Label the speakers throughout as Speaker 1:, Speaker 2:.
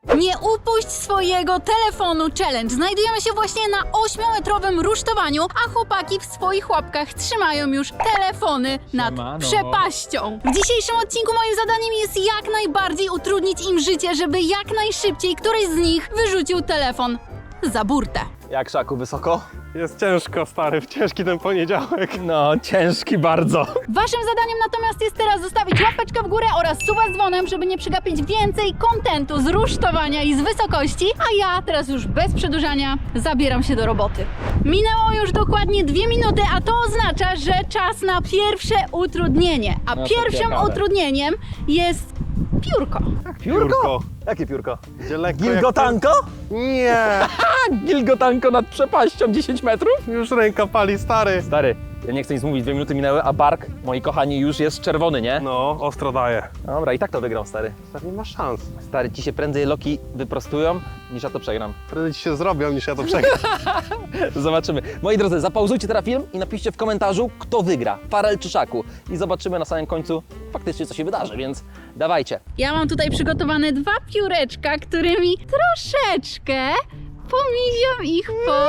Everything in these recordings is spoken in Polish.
Speaker 1: Nie upuść swojego telefonu challenge. Znajdujemy się właśnie na 8-metrowym rusztowaniu, a chłopaki w swoich łapkach trzymają już telefony nad przepaścią. W dzisiejszym odcinku moim zadaniem jest jak najbardziej utrudnić im życie, żeby jak najszybciej któryś z nich wyrzucił telefon za burtę.
Speaker 2: Jak, Szaku, wysoko?
Speaker 3: Jest ciężko, stary, ciężki ten poniedziałek.
Speaker 2: No, ciężki bardzo.
Speaker 1: Waszym zadaniem natomiast jest teraz zostawić łapeczkę w górę oraz suba z dzwonem, żeby nie przegapić więcej kontentu z rusztowania i z wysokości, a ja teraz już bez przedłużania zabieram się do roboty. Minęło już dokładnie 2 minuty, a to oznacza, że czas na pierwsze utrudnienie. A
Speaker 2: No to
Speaker 1: pierwszym
Speaker 2: ciekawe.
Speaker 1: utrudnieniem jest piórko.
Speaker 2: Piórko? Jakie piórko?
Speaker 3: Gdzie lekko
Speaker 2: Gilgotanko?
Speaker 3: Nie,
Speaker 2: Gilgotanko nad przepaścią 10 metrów?
Speaker 3: już ręka pali, stary.
Speaker 2: Stary, ja nie chcę nic mówić, 2 minuty minęły, a bark, moi kochani, już jest czerwony, nie?
Speaker 3: No, ostro daje.
Speaker 2: Dobra, i tak to wygram, stary.
Speaker 3: Stary, nie ma szans.
Speaker 2: Stary, ci się prędzej loki wyprostują, niż ja to przegram.
Speaker 3: Prędzej ci się zrobią, niż ja to przegram.
Speaker 2: Zobaczymy. Moi drodzy, zapauzujcie teraz film i napiszcie w komentarzu, kto wygra, Farel czy Szaku. I zobaczymy na samym końcu faktycznie, co się wydarzy, więc dawajcie.
Speaker 1: Ja mam tutaj przygotowane 2 pióreczka, którymi troszeczkę pomiziam ich po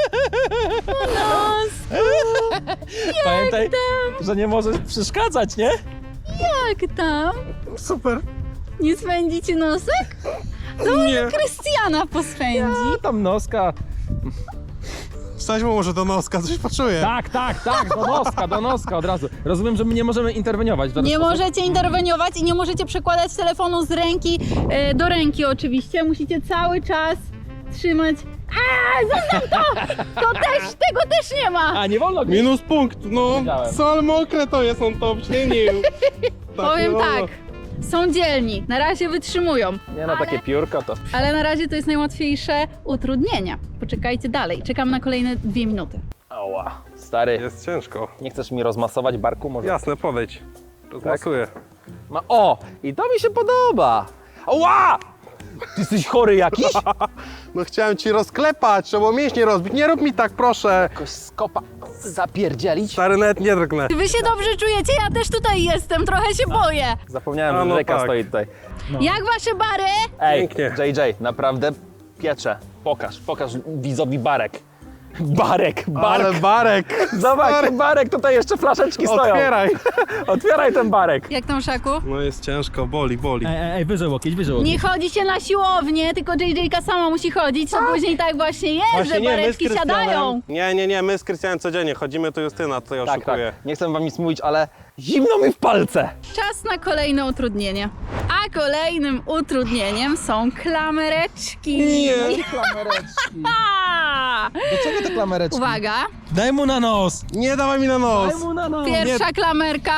Speaker 1: nosku.
Speaker 2: Pamiętaj, że nie możesz przeszkadzać, nie?
Speaker 1: Jak tam?
Speaker 3: Super.
Speaker 1: Nie spędzi ci nosek?
Speaker 3: Nie.
Speaker 1: Krystiana pospędzi.
Speaker 2: A tam noska.
Speaker 3: Wstać mu może do noska, coś poczuję.
Speaker 2: Tak, do noska od razu. Rozumiem, że my nie możemy interweniować w żaden
Speaker 1: Nie
Speaker 2: sposób.
Speaker 1: możecie interweniować i nie możecie przekładać telefonu z ręki do ręki oczywiście. Musicie cały czas trzymać. Zostaw to! Tego też nie ma!
Speaker 2: A, nie wolno gdzieś.
Speaker 3: Minus punkt, no.
Speaker 2: Wiedziałem.
Speaker 3: Co, ale mokre to jest, on to obśnienił.
Speaker 1: Powiem
Speaker 3: nie
Speaker 1: tak,
Speaker 3: wolno.
Speaker 1: są dzielni, na razie wytrzymują.
Speaker 2: Nie no, takie piórko to...
Speaker 1: Ale na razie to jest najłatwiejsze utrudnienie. Poczekajcie dalej, czekam na kolejne 2 minuty.
Speaker 2: Ała, stary,
Speaker 3: Jest ciężko.
Speaker 2: nie chcesz mi rozmasować barku może?
Speaker 3: Jasne, podejdź. Rozmasuję.
Speaker 2: O, i to mi się podoba. Ała! Ty jesteś chory jakiś?
Speaker 3: No chciałem ci rozklepać, trzeba mięśnie rozbić. Nie rób mi tak, proszę.
Speaker 2: Jakoś skopa zapierdzielić?
Speaker 3: Stary, nawet nie drgnę.
Speaker 1: Wy się dobrze czujecie? Ja też tutaj jestem, trochę się boję.
Speaker 2: Zapomniałem,
Speaker 3: A,
Speaker 2: że
Speaker 3: no
Speaker 2: rzeka
Speaker 3: tak.
Speaker 2: stoi tutaj.
Speaker 1: Jak wasze bary?
Speaker 2: Ej,
Speaker 3: Pięknie.
Speaker 2: JJ, naprawdę piecze. Pokaż widzowi barek. Bark.
Speaker 3: Ale barek.
Speaker 2: Zobacz,
Speaker 3: Stary.
Speaker 2: ten barek, tutaj jeszcze flaszeczki stoją.
Speaker 3: Otwieraj.
Speaker 2: Otwieraj ten barek.
Speaker 1: Jak tam, Szaku?
Speaker 3: No jest ciężko, boli.
Speaker 2: Ej, wyżej łokieć.
Speaker 1: Nie chodzi się na siłownię, tylko JJ-ka sama musi chodzić, to później tak właśnie jest, że bareczki siadają.
Speaker 3: Nie, my z Krystianem codziennie chodzimy, to Justyna tutaj
Speaker 2: Tak,
Speaker 3: oszukuje.
Speaker 2: Nie chcę wam nic mówić, ale zimno mi w palce.
Speaker 1: Czas na kolejne utrudnienie. A kolejnym utrudnieniem są klamereczki.
Speaker 2: Klamereczki.
Speaker 1: A!
Speaker 2: Do czego te klamereczki?
Speaker 1: Uwaga,
Speaker 2: Daj mu na nos.
Speaker 3: Nie dawaj mi na nos.
Speaker 2: Daj mu na nos.
Speaker 1: pierwsza klamerka.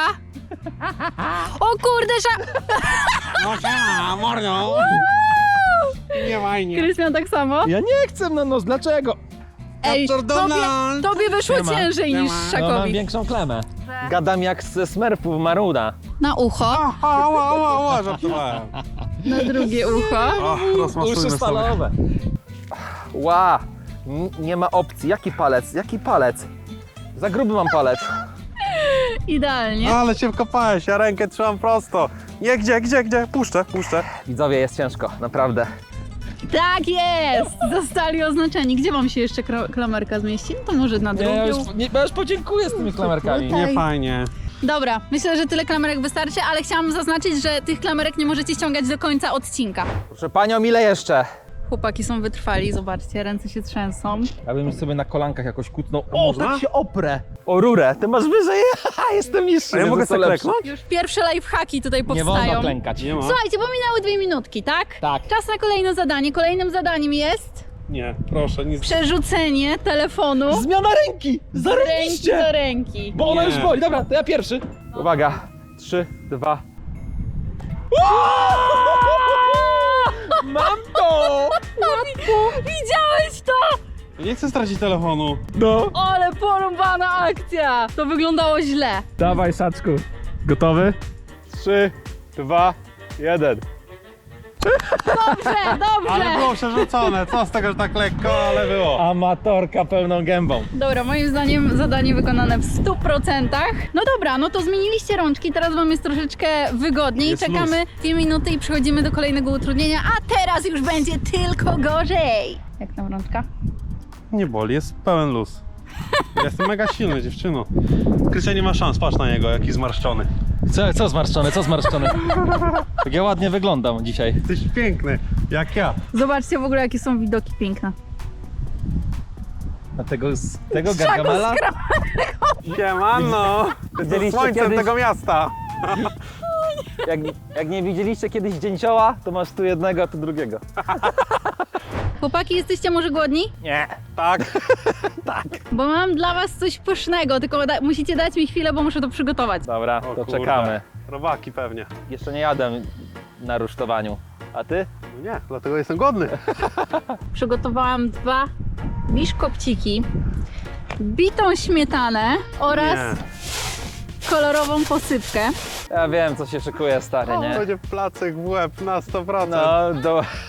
Speaker 1: O kurde,
Speaker 3: No siema, mordo. Nie fajnie.
Speaker 1: Krystian tak samo?
Speaker 2: Ja nie chcę na nos, dlaczego?
Speaker 1: Ej,
Speaker 3: Capture Donald.
Speaker 1: tobie wyszło
Speaker 2: Siema.
Speaker 1: ciężej niż
Speaker 2: No, mam
Speaker 1: Szakowi.
Speaker 2: większą klemę. Gadam jak ze Smurfów Maruda.
Speaker 1: Na ucho,
Speaker 3: Ała, żartowałem.
Speaker 1: na drugie ucho.
Speaker 3: O, rozmasujmy sobie.
Speaker 2: Ła, nie ma opcji. Jaki palec? Za gruby mam palec.
Speaker 1: Idealnie.
Speaker 3: Ale się wkopałeś, ja rękę trzymam prosto. Nie, gdzie? Puszczę.
Speaker 2: Widzowie, jest ciężko, naprawdę.
Speaker 1: Tak jest! Zostali oznaczeni. Gdzie wam się jeszcze klamerka zmieści? No to może na drugie ucho.
Speaker 2: Ja już podziękuję z tymi klamerkami.
Speaker 1: Tutaj.
Speaker 3: Nie fajnie.
Speaker 1: Dobra, myślę, że tyle klamerek wystarczy, ale chciałam zaznaczyć, że tych klamerek nie możecie ściągać do końca odcinka.
Speaker 2: Proszę panią, ile jeszcze?
Speaker 1: Chłopaki są wytrwali, zobaczcie, ręce się trzęsą.
Speaker 2: Ja bym sobie na kolankach jakoś kutnął.
Speaker 3: Można?
Speaker 2: tak się oprę. O rurę, ty masz wyżej. Jestem mistrzem.
Speaker 3: A ja mogę
Speaker 2: jestem
Speaker 3: sobie
Speaker 2: lepszy.
Speaker 3: kleknąć?
Speaker 1: Już pierwsze lifehacki tutaj
Speaker 2: Nie
Speaker 1: powstają.
Speaker 2: wolno klękać.
Speaker 3: Nie ma?
Speaker 1: Słuchajcie, bo minęły 2 minutki, tak?
Speaker 2: Tak.
Speaker 1: Czas na kolejne zadanie. Kolejnym zadaniem jest
Speaker 3: Nie, proszę, nic.
Speaker 1: przerzucenie telefonu
Speaker 2: Zmiana ręki!
Speaker 1: z ręki
Speaker 2: Zarobiście!
Speaker 1: do ręki.
Speaker 2: Bo ona
Speaker 3: Nie.
Speaker 2: już boli. Dobra, to ja pierwszy. Uwaga. 3, 2. Mam to!
Speaker 1: Widziałeś to?
Speaker 3: Nie chcę stracić telefonu.
Speaker 2: No.
Speaker 1: Ale porąbana akcja! To wyglądało źle.
Speaker 2: Dawaj, Szaczku. Gotowy? 3, 2, 1.
Speaker 1: Dobrze,
Speaker 3: Ale
Speaker 1: dobrze.
Speaker 3: było przerzucone, co z tego, że tak lekko, ale było.
Speaker 2: Amatorka pełną gębą.
Speaker 1: Dobra, moim zdaniem zadanie wykonane w 100%. No dobra, no to zmieniliście rączki, teraz wam jest troszeczkę wygodniej.
Speaker 3: Jest
Speaker 1: Czekamy 2 minuty i przechodzimy do kolejnego utrudnienia, a teraz już będzie tylko gorzej. Jak tam rączka?
Speaker 3: Nie boli, jest pełen luz. Ja jestem mega silny, dziewczyno. Krystian nie ma szans, patrz na niego, jaki zmarszczony.
Speaker 2: Co zmarszczone, co zmarszczone? Tak ja ładnie wyglądam dzisiaj.
Speaker 3: Jesteś piękny, jak ja.
Speaker 1: Zobaczcie w ogóle, jakie są widoki piękne.
Speaker 2: A tego Gargamela?
Speaker 3: Siemano! To
Speaker 2: Widzieliście
Speaker 3: słońcem
Speaker 2: kiedyś-
Speaker 3: tego miasta.
Speaker 2: Jak nie widzieliście kiedyś dzięcioła, to masz tu jednego, a tu drugiego.
Speaker 1: Chłopaki, jesteście może głodni?
Speaker 2: Nie.
Speaker 3: Tak.
Speaker 1: Bo mam dla was coś pysznego, tylko musicie dać mi chwilę, bo muszę to przygotować.
Speaker 2: Dobra,
Speaker 3: O
Speaker 2: to
Speaker 3: kurde.
Speaker 2: czekamy.
Speaker 3: Robaki pewnie.
Speaker 2: Jeszcze nie jadłem na rusztowaniu. A ty?
Speaker 3: No nie, dlatego jestem głodny.
Speaker 1: Przygotowałam 2 biszkopciki, bitą śmietanę oraz kolorową posypkę.
Speaker 2: Ja wiem, co się szykuje, stary, nie?
Speaker 3: Będzie placek w łeb na 100%.
Speaker 2: No,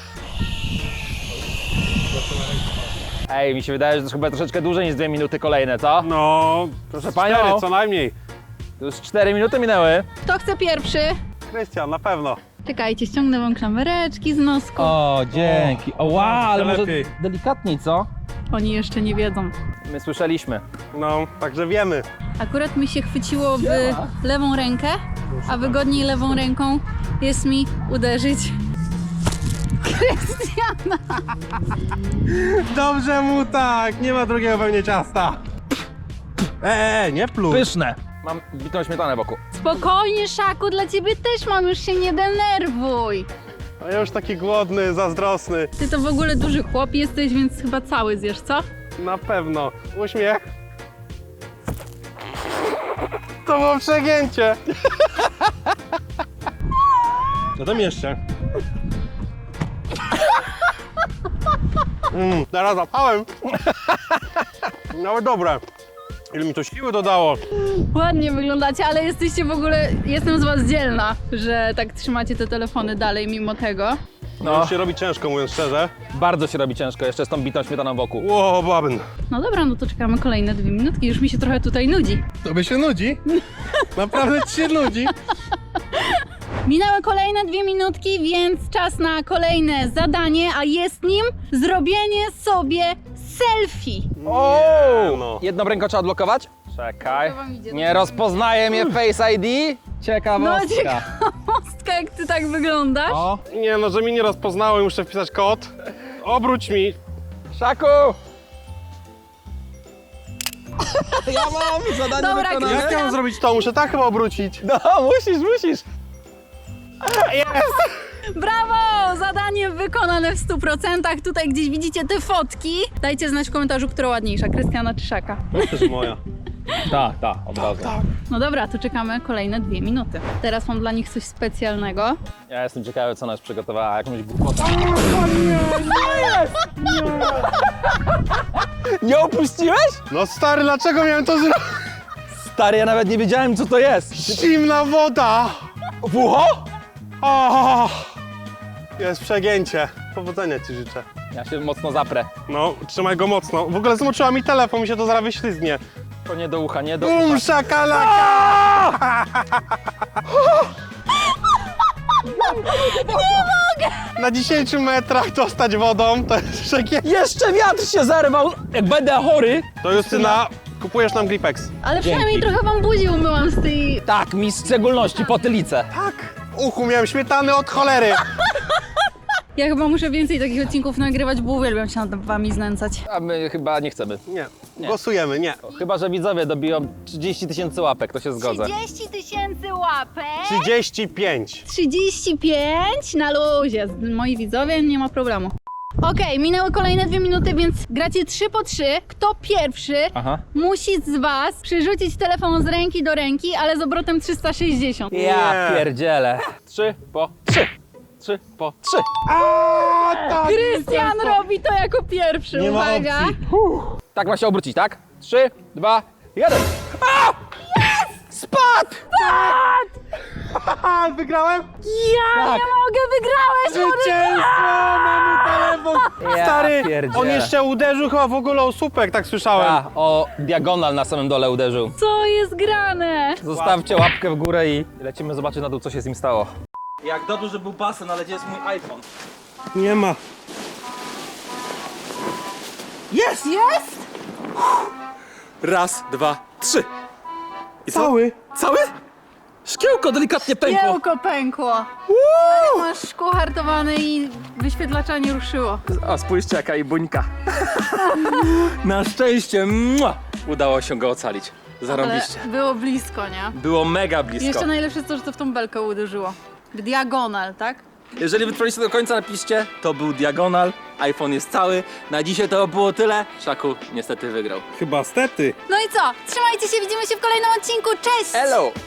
Speaker 2: Ej, mi się wydaje, że to chyba troszeczkę dłużej niż 2 minuty kolejne, co?
Speaker 3: No,
Speaker 2: Proszę
Speaker 3: cztery
Speaker 2: panią.
Speaker 3: co najmniej.
Speaker 2: To już 4 minuty minęły.
Speaker 1: Kto chce pierwszy?
Speaker 3: Krystian, na pewno.
Speaker 1: Czekajcie, ściągnę wam klamereczki z nosku.
Speaker 2: O, dzięki. O, wow, ale może
Speaker 3: lepiej.
Speaker 2: delikatniej, co?
Speaker 1: Oni jeszcze nie wiedzą.
Speaker 2: My słyszeliśmy.
Speaker 3: No, także wiemy.
Speaker 1: Akurat mi się chwyciło w lewą rękę, a wygodniej lewą ręką jest mi uderzyć Krystiana.
Speaker 3: Dobrze mu tak, nie ma drugiego pewnie ciasta. Nie pluj.
Speaker 2: Pyszne. Mam bitą śmietanę wokół.
Speaker 1: Spokojnie, Szaku, dla ciebie też mam, już się nie denerwuj.
Speaker 3: A ja już taki głodny, zazdrosny.
Speaker 1: Ty to w ogóle duży chłop jesteś, więc chyba cały zjesz, co?
Speaker 3: Na pewno. Uśmiech. To było przegięcie. Co tam jeszcze? Teraz zapałem. Nawet dobre. Ile mi to siły dodało.
Speaker 1: Ładnie wyglądacie, ale jesteście w ogóle, jestem z was dzielna, że tak trzymacie te telefony dalej mimo tego.
Speaker 3: No. Już się robi ciężko, mówiąc szczerze.
Speaker 2: Bardzo się robi ciężko, jeszcze z tą bitą śmietaną wokół.
Speaker 3: Ło, babyn.
Speaker 1: No dobra, no to czekamy kolejne 2 minutki, już mi się trochę tutaj nudzi.
Speaker 3: Tobie się nudzi? Naprawdę ci się nudzi?
Speaker 1: Minęły kolejne 2 minutki, więc czas na kolejne zadanie, a jest nim zrobienie sobie selfie.
Speaker 2: O!
Speaker 3: no.
Speaker 2: Jedną ręką trzeba odblokować? Czekaj.
Speaker 1: To wam idzie.
Speaker 2: Nie rozpoznaje mnie Face ID?
Speaker 1: No
Speaker 2: Ciekawostka.
Speaker 1: ciekawostka, jak ty tak wyglądasz.
Speaker 2: O,
Speaker 3: Nie no, że mi nie rozpoznało i muszę wpisać kod. Obróć mi.
Speaker 2: Szaku! Ja mam zadanie
Speaker 1: Dobra,
Speaker 2: wykonane.
Speaker 3: Jak ja mam zrobić to? Muszę tak chyba obrócić.
Speaker 2: No, musisz.
Speaker 1: Brawo! Zadanie wykonane w 100%. Tutaj gdzieś widzicie te fotki. Dajcie znać w komentarzu, która ładniejsza, Krystiana czy Szaka.
Speaker 3: To też moja.
Speaker 2: Tak, od razu.
Speaker 1: No dobra, to czekamy kolejne 2 minuty. Teraz mam dla nich coś specjalnego.
Speaker 2: Ja jestem ciekawy, co nas przygotowała, jakąś głupotę. Nie opuściłeś?
Speaker 3: No stary, dlaczego miałem to zrobić?
Speaker 2: Stary, ja nawet nie wiedziałem, co to jest.
Speaker 3: Zimna woda!
Speaker 2: W ucho?
Speaker 3: O, jest przegięcie. Powodzenia ci życzę.
Speaker 2: Ja się mocno zaprę.
Speaker 3: No, trzymaj go mocno. W ogóle zmoczyła mi telefon, mi się to zaraz wyślizgnie.
Speaker 2: To nie do ucha, nie do ucha.
Speaker 3: Szakalaka! Na 10 metrach dostać wodą, to jest przegięcie.
Speaker 2: Jeszcze wiatr się zerwał! Jak będę chory!
Speaker 3: To Justyna, kupujesz nam Gripex.
Speaker 1: Ale
Speaker 2: Dzięki.
Speaker 1: przynajmniej trochę wam buzi umyłam z tej...
Speaker 2: Tak, mi w szczególności potylicę.
Speaker 3: Tak. Uchu miałem śmietany od cholery.
Speaker 1: Ja chyba muszę więcej takich odcinków nagrywać, bo uwielbiam się nad wami znęcać.
Speaker 2: A my chyba nie chcemy.
Speaker 3: Nie, głosujemy, nie.
Speaker 2: Chyba że widzowie dobiją 30 000 łapek, to się zgodzę.
Speaker 1: 30 000 łapek.
Speaker 3: 35.
Speaker 1: 35 na luzie. Moi widzowie, nie ma problemu. Okej, minęły kolejne 2 minuty, więc gracie 3 po 3. Kto pierwszy
Speaker 2: Aha.
Speaker 1: musi z was przerzucić telefon z ręki do ręki, ale z obrotem 360.
Speaker 2: Ja
Speaker 3: Nie.
Speaker 2: pierdzielę. 3 po 3. 3 po 3.
Speaker 3: Tak,
Speaker 1: Krystian robi to jako pierwszy,
Speaker 3: Nie ma
Speaker 1: uwaga.
Speaker 3: opcji.
Speaker 2: Tak ma się obrócić, tak? 3, 2, 1. A! Yes! Spadł!
Speaker 3: Haha, wygrałem?
Speaker 1: Ja
Speaker 2: Tak.
Speaker 1: nie mogę, wygrałeś,
Speaker 3: Zwycięstwo! Mamy telefon!
Speaker 2: Ja
Speaker 3: Stary,
Speaker 2: pierdzielę.
Speaker 3: on jeszcze uderzył chyba w ogóle o słupek, tak słyszałem.
Speaker 2: A, o diagonal na samym dole uderzył.
Speaker 1: Co jest grane?
Speaker 2: Zostawcie łapkę w górę i lecimy zobaczyć na dół, co się z nim stało. Jak dobrze, że był basen, ale gdzie jest mój iPhone?
Speaker 3: Nie ma.
Speaker 2: Jest!
Speaker 1: Jest?
Speaker 2: Raz, dwa, trzy. I co?
Speaker 3: Cały?
Speaker 2: Cały? Szkiełko delikatnie pękło.
Speaker 1: Kiełko pękło. Masz szkło hartowane i wyświetlacza nie ruszyło.
Speaker 2: A spójrzcie, jaka i buńka. Na szczęście udało się go ocalić.
Speaker 1: Ale
Speaker 2: Zarąbiście.
Speaker 1: było blisko, nie?
Speaker 2: Było mega
Speaker 1: I
Speaker 2: blisko.
Speaker 1: jeszcze najlepsze to, że to w tą belkę uderzyło. W diagonal, tak?
Speaker 2: Jeżeli wytrwaliście do końca, napiszcie, to był diagonal, iPhone jest cały. Na dzisiaj to było tyle. Szaku niestety wygrał.
Speaker 3: Chyba stety.
Speaker 1: No i co? Trzymajcie się, widzimy się w kolejnym odcinku. Cześć!
Speaker 2: Hello!